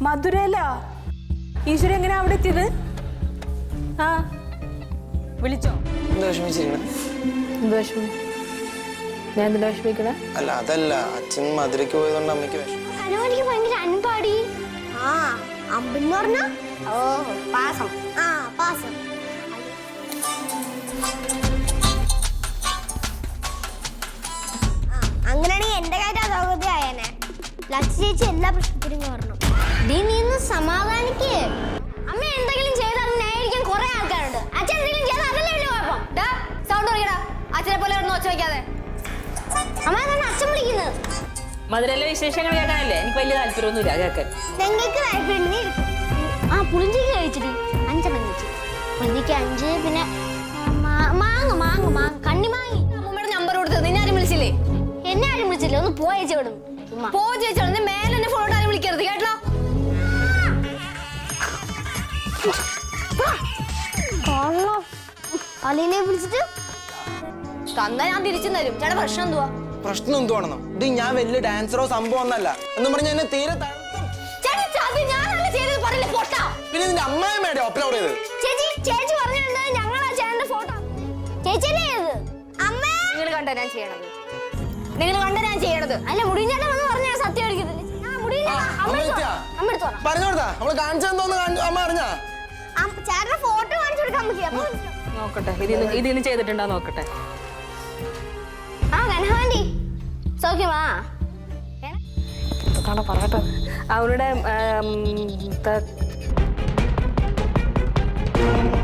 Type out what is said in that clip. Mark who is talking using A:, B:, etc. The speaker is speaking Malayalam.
A: മധുരല്ല. ഈശ്വര എങ്ങനെയാ അവിടെ എത്തിയത്? ആ വിളിച്ചോ?
B: എന്താ വിഷമിച്ചിരിക്കണേ?
A: എന്ത് വിഷമം? ഞാൻ എന്തിനാ വിഷമിക്കണേ?
B: അല്ല അതല്ല, അച്ഛൻ മധുരയ്ക്ക് പോയതുകൊണ്ട് അമ്മയ്ക്ക് വിഷമം.
C: ഹനുമാനിക്ക് ഭയങ്കര അൻപാടി. ആ അമ്പെന്ന് പറഞ്ഞ ഓ പാസം. ആ പാസം. അങ്ങനെയാണെങ്കിൽ എന്റെ കാര്യം അധോഗതിയായേനെ. ലക്ഷ്യ ചേച്ചി എല്ലാ പ്രശ്നത്തിനും പറഞ്ഞു. നീ ഒന്ന് സമാധാനിക്കേ. അമ്മ എന്തെങ്കിലും ചെയ്താൽ ന്യായീകരിക്കാൻ കുറെ ആൾക്കാരുണ്ട്. അച്ഛൻ എന്തെങ്കിലും ചെയ്താൽ അതല്ലേ വലിയ കുഴപ്പം. സൗണ്ട് കുറയ്ക്കടാ. അച്ഛനെ പോലെ ഒന്നും ഒച്ച വയ്ക്കാതെ. അമ്മ എന്താണ് അച്ഛൻ വിളിക്കുന്നത്?
A: മധുരയിലെ വിശേഷങ്ങൾ കേൾക്കാനല്ലേ? എനിക്ക് വലിയ താല്പര്യമൊന്നുമില്ല കേൾക്കാൻ.
C: നിങ്ങൾക്ക് താല്പര്യം? ആ പുളിഞ്ചിക്ക് കഴിച്ചിട്ട് 5 കഴിച്ചു. പുളിഞ്ചിക്ക് 5, പിന്നെ മാങ്ങ മാങ്ങ മാങ്ങ കണ്ണിമാങ്ങി.
D: അമ്മൂമ്മയുടെ നമ്പർ കൊടുത്തത് നിന്നെ ആരും വിളിച്ചില്ലേ?
C: എന്നെ ആരും വിളിച്ചില്ല. ഒന്ന് പോയ ചേച്ചി
D: പോ ചേച്ചി. മേലെ എന്നെ ഫോട്ടോ ആരും വിളിക്കരുത് കേട്ടോ.
C: അലീനെ വിളിച്ചിട്ട്
D: തന്നാ ഞാൻ തിരിച്ചു തരും. ചേട്ടാ പ്രശ്നം എന്തുവാ?
B: പ്രശ്നം എന്തുവാണെന്നോ? ഇത് ഞാൻ വലിയ ഡാൻസറോ സംഭവം ഒന്നല്ല എന്ന് പറഞ്ഞ എന്നെ തീരെ പിന്നെ നിന്റെ അമ്മായിമ്മയുടെ അപ്ലോഡ് ചെയ്ത്.
C: ചേച്ചി പറഞ്ഞിട്ടുണ്ട് ഞങ്ങളാ ചേട്ടന്റെ ഫോട്ടോ. ചേച്ചിയല്ലേ ചെയ്തത്? അമ്മേ
D: നിങ്ങൾ കണ്ട ഞാൻ ചെയ്യണത്. നിങ്ങൾ കണ്ട ഞാൻ ചെയ്യണത്.
C: അല്ല മുടിഞ്ഞേട്ടൻ വന്ന് പറഞ്ഞ സത്യം അടിക്കത്തില്ല.
B: പറഞ്ഞോടാ നമ്മള് കാണിച്ചെന്തോന്ന് അമ്മ അറിഞ്ഞാ?
C: ചേട്ടന്റെ ഫോട്ടോ കാണിച്ചു കൊടുക്കാൻ പറ്റിയ
A: നോക്കട്ടെ, ഇതിന്ന് ചെയ്തിട്ടുണ്ടോ നോക്കട്ടെ.
C: ആ കനഹാൻഡി സൗഖ്യമാ?
A: കാണാ പറയട്ടെ. അവരുടെ